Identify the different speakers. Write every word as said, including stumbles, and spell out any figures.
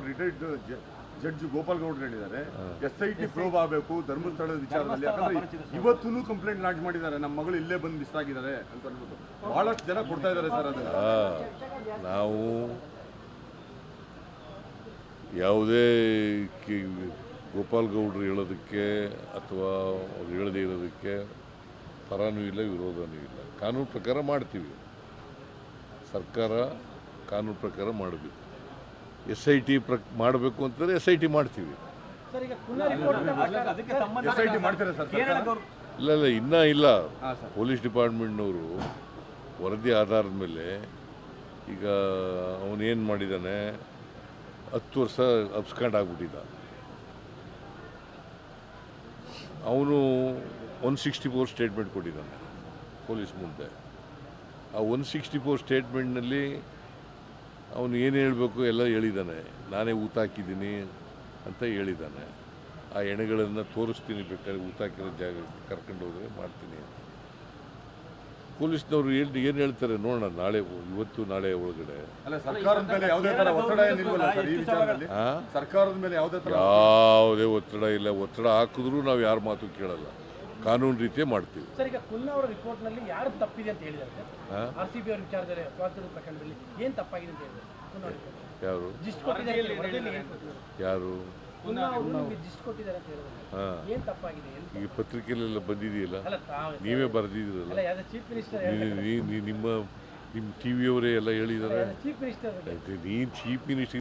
Speaker 1: Retired judge Gopal ಗೌಡ್ರು ಹೇಳಿದ್ದಾರೆ, S I T probe ಆಗಬೇಕು ಧರ್ಮಸ್ಥಳದ ವಿಚಾರದಲ್ಲಿ. ಯಾಕಂದ್ರೆ ಇವತ್ತೂ ಕಂಪ್ಲೇಂಟ್ ಲಾಂಚ್ ಮಾಡಿದ್ದಾರೆ, ನಮ್ಮ ಮಗಳು ಇಲ್ಲೇ ಬಂದು ಮಿಸ್ ಆಗಿದ್ದಾರೆ ಅಂತ ಹೇಳ್ಬಿಟ್ಟು ಬಹಳಷ್ಟು ಜನ ಕೊಡ್ತಾ ಇದ್ದಾರೆ ಸರ್. ಅದನ್ನ
Speaker 2: ನಾವು ಯಾವುದೇ ಗೋಪಾಲ್ ಗೌಡ್ರು ಹೇಳೋದಕ್ಕೆ ಅಥವಾ ಅವ್ರು ಹೇಳದೇ ಇರೋದಕ್ಕೆ ಪರನೂ ಇಲ್ಲ ವಿರೋಧನೂ ಇಲ್ಲ. ಕಾನೂನು ಪ್ರಕಾರ ಮಾಡ್ತೀವಿ, ಸರ್ಕಾರ ಕಾನೂನು ಪ್ರಕಾರ ಮಾಡಬೇಕು. ಎಸ್ ಐ ಟಿ ಪ್ರ ಮಾಡಬೇಕು ಅಂತಂದರೆ ಎಸ್ ಐ ಟಿ ಮಾಡ್ತೀವಿ. ಇಲ್ಲ ಇಲ್ಲ ಇನ್ನೂ ಇಲ್ಲ. ಪೊಲೀಸ್ ಡಿಪಾರ್ಟ್ಮೆಂಟ್ನವರು ವರದಿ ಆಧಾರದ ಮೇಲೆ ಈಗ ಅವನೇನು ಮಾಡಿದ್ದಾನೆ, ಹತ್ತು ವರ್ಷ ಅಬ್ಸ್ಕಾಂಡ್ ಆಗಿಬಿಟ್ಟಿದ್ದ. ಅವನು ಒನ್ ಸಿಕ್ಸ್ಟಿ ಫೋರ್ ಸ್ಟೇಟ್ಮೆಂಟ್ ಕೊಟ್ಟಿದ್ದಾನೆ ಪೊಲೀಸ್ ಮುಂದೆ. ಆ ಒನ್ ಸಿಕ್ಸ್ಟಿ ಫೋರ್ ಸ್ಟೇಟ್ಮೆಂಟ್ನಲ್ಲಿ ಅವನು ಏನು ಹೇಳಬೇಕು ಎಲ್ಲ ಹೇಳಿದ್ದಾನೆ. ನಾನೇ ಊತ ಹಾಕಿದ್ದೀನಿ ಅಂತ ಹೇಳಿದ್ದಾನೆ. ಆ ಎಣೆಗಳನ್ನು ತೋರಿಸ್ತೀನಿ, ಬೇಕಾದ್ರೆ ಊತ ಹಾಕಿರೋ ಜಾಗ ಕರ್ಕೊಂಡು ಹೋದರೆ ಮಾಡ್ತೀನಿ ಅಂತ ಪೊಲೀಸ್ನವರು ಏನು ಏನು ಹೇಳ್ತಾರೆ ನೋಡೋಣ. ನಾಳೆ ಇವತ್ತು ನಾಳೆ ಒಳಗಡೆ
Speaker 1: ಸರ್ಕಾರದ ಮೇಲೆ
Speaker 2: ಯಾವುದೇ ಒತ್ತಡ ಇಲ್ಲ. ಒತ್ತಡ ಹಾಕಿದ್ರೂ ನಾವು ಯಾರ ಮಾತು ಕೇಳಲ್ಲ, ಕಾನೂನು ರೀತಿಯೇ ಮಾಡ್ತೀವಿ.
Speaker 3: ಸರ್, ಈಗ ಕುನ್ನಾ ಅವರ ರಿಪೋರ್ಟ್ನಲ್ಲಿ ಯಾರು ತಪ್ಪಿದೆ ಅಂತ ಹೇಳಿದ್ದಾರೆ ಆರ್ ಸಿ ಬಿ ಅವರ ವಿಚಾರದಲ್ಲಿ ಸ್ವಾತಂತ್ರ್ಯ ಪ್ರಕರಣದಲ್ಲಿ ಏನು ತಪ್ಪಾಗಿದೆ ಅಂತ ಹೇಳಿದ್ದಾರೆ?
Speaker 2: ಯಾರು ಯಾರು ಈಗ ಪತ್ರಿಕೆಯಲ್ಲೆಲ್ಲ ಬಂದಿದೆಯಲ್ಲ, ನೀವೇ ಬರೆದಿದ್ದೀರಲ್ಲ, ನಿಮ್ಮ ನಿಮ್ಮ ಟಿ ವಿಯವರೇ ಎಲ್ಲ ಹೇಳಿದ್ದಾರೆ. ನೀನು ಚೀಫ್ ಮಿನಿಸ್ಟರ್